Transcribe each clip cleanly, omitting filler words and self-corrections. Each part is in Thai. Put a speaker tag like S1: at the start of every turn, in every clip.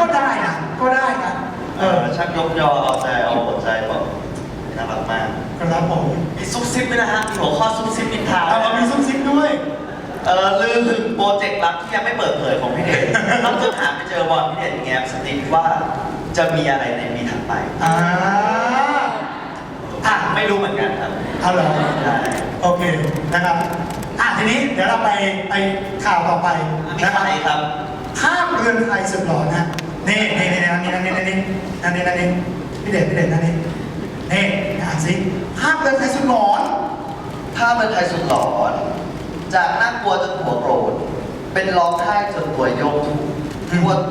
S1: ก็ได้นะก็ได้นะ
S2: ช่างยกยอเอาใจเอาหัวใจแบบน่ารักมาก
S1: ครับผม
S2: มีซุปซิปด้วยนะฮะมีหัวข้อซุปซิปนินทา
S1: เรามีซุปซิปด้วย
S2: ลือถึงโปรเจกต์ลับที่ยังไม่เปิดเผยของพี่เดชต้องจนหาไปเจอบอลพี่เดชแง้มสติ๊กว่าจะมีอะไรในปีถัดไปไม่รู้เหมือนกันครับ
S1: เอาเหรอโอเคนะครับทีนี้เดี๋ยวเราไปข่าวต่อไป
S2: นะครับ
S1: ภาพเรือนไทยสุดหล่อนะนี่พี่เดชนั่นนี่อ่านสิภาพเรือนไทยสุดหลอน
S2: ภาพเรือนไทยสุดหลอนจากน่ากลัวจนหัวโกรธเป็นร้องไห้จนตัวโยกทั่ว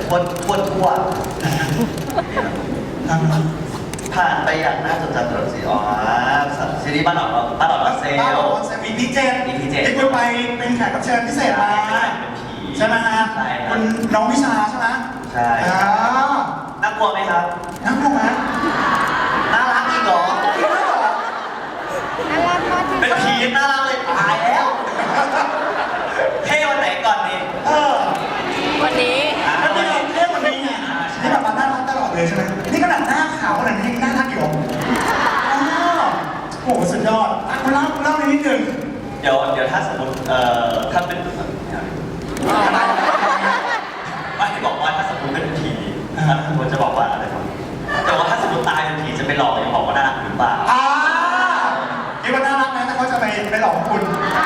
S2: ผ่านไปอย่างน่าจดจำตลอดซีรีส์บ้านหลอนเซล
S1: EP 7ที่คุณไปเป็นแขกรับเชิญพิเศษมาใช่ไหมฮะคุณน้องวิชาใช่ไหม
S2: ใช่น่ากลัวไหมครับ
S1: น่ากลัวไหม
S2: น่ารักอีกเหรอเป็นผีน่ารักเลยตายแล้วเท่วันไหนก่อนดี
S1: วันนี้เท่วันนี้ไงนี่แบบน่ารักตลอดเลยใช่ไหมนี่ขนาดหน้าขาวขนาดนี้น่ารักอยู่โอ้โหสุดยอดคุณเล่านิดนึง
S2: เดี๋ยวถ้าสมมติถ้าเป็นไม่บอกว่าถ้าสมมติเป็นผีผมจะบอกว่าอะไรบ้างแต่ว่าถ้าสมมติตายเป็นผีจะไปหลอกยังบอกว่าน่ารักหรือเปล่า
S1: คิดว่าน่ารักนะถ้าเขาจะไปหลอกคุณ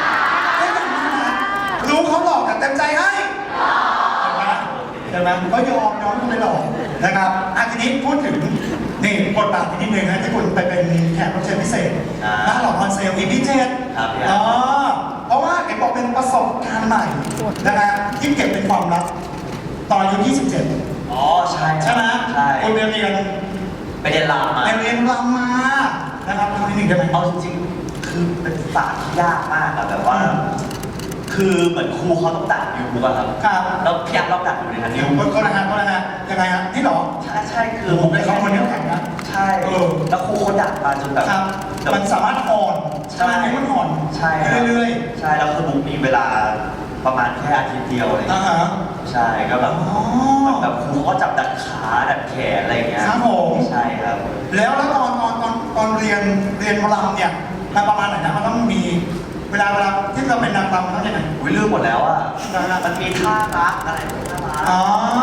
S1: รู้เขาหลอกแต่เต็มใจให้เห็นไหมก็ยอมคุณไปหลอกนะครับทีนี้พูดถึงนี่บทบาทนิดนึงนะที่คุณไปเป็นแขกรับเชิญพิเศษบ้านหลอกออนเซลEP 7เพราะว่าเห็นบอกเป็นประสบการณ์ใหม่นะครับที่เก็บเป็นความลับตอนอายุ27ใช่ไหมคุณไปเรียน
S2: รำมา
S1: นะครับทำนิดนึงได้ไหม
S2: เอาจริงๆคือเป็นศาสตร์ที่ยากมากอะแบบว่าคือเหมือนครูเขาต้องดักอยู่ป่ะครับแล้วพี่ยักษ์ต้องดักอยู่ในนั้น
S1: อยู่ก็นะฮะยังไงฮะนี่หรอ
S2: ใช่คือ
S1: ผมเป็นคนนี้แข่งนะ
S2: ใช่แล้วครูเขาดักมาจนแบบ
S1: มันสามารถอ่อนใช่ไหมมันอ่อนเรื่อย
S2: ๆใช่แล้วคือบุ๊กมีเวลาประมาณแค่อาทิตย์เดียวอะไรใช่ก็แบบครูเขาจับดัดขาดัดแขนอะไรอย่างเงี้ย
S1: ครับผม
S2: ใช่ครับ
S1: แล้วตอนเรียนรำเนี่ยมันประมาณไหนนะมันต้องมีเวลาที่เราเป็นนางรำมันต้องยังไง
S2: ลืมหมดแล้วอ่ะมันมีท่ารักอะไรท่ารัก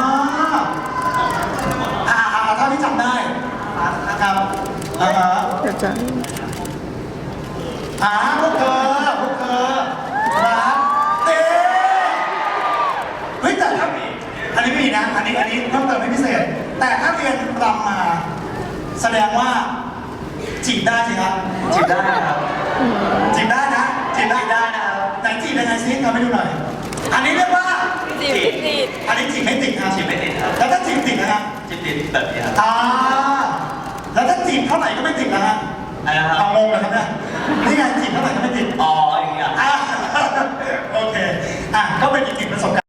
S1: เท่าที่จำได้ครับ
S3: เดี๋ยวจะ
S1: พวกเธอรักเฮ้ยแต่ถ้าอันนี้ไม่มีนะอันนี้เพิ่มเติมให้พิเศษแต่ถ้าเรียนรำมาแสดงว่าจีบได้สิครับ
S2: จีบได้ครับ
S1: จีบได้นะ
S2: นะครับ
S1: ไหนจีบยังไงซิทำให้ดูหน่อยอันนี้เรียกว่า
S3: จีบ
S1: อันนี้จีบไม่ติดครับ
S2: จีบไม่ติดครับ
S1: แล้วถ้าจีบติดนะครับ
S2: จีบติดแบบนี้ครับ
S1: แล้วถ้าจีบเท่าไหร่ก็ไม่ติดนะฮะเอางงเลยครับเนี่ยนี่ไงจีบเท่าไหร่ก็ไม่ติด
S2: อย่างเงี้ย
S1: โอเคก็เป็นอีกหนึ่งประสบการณ์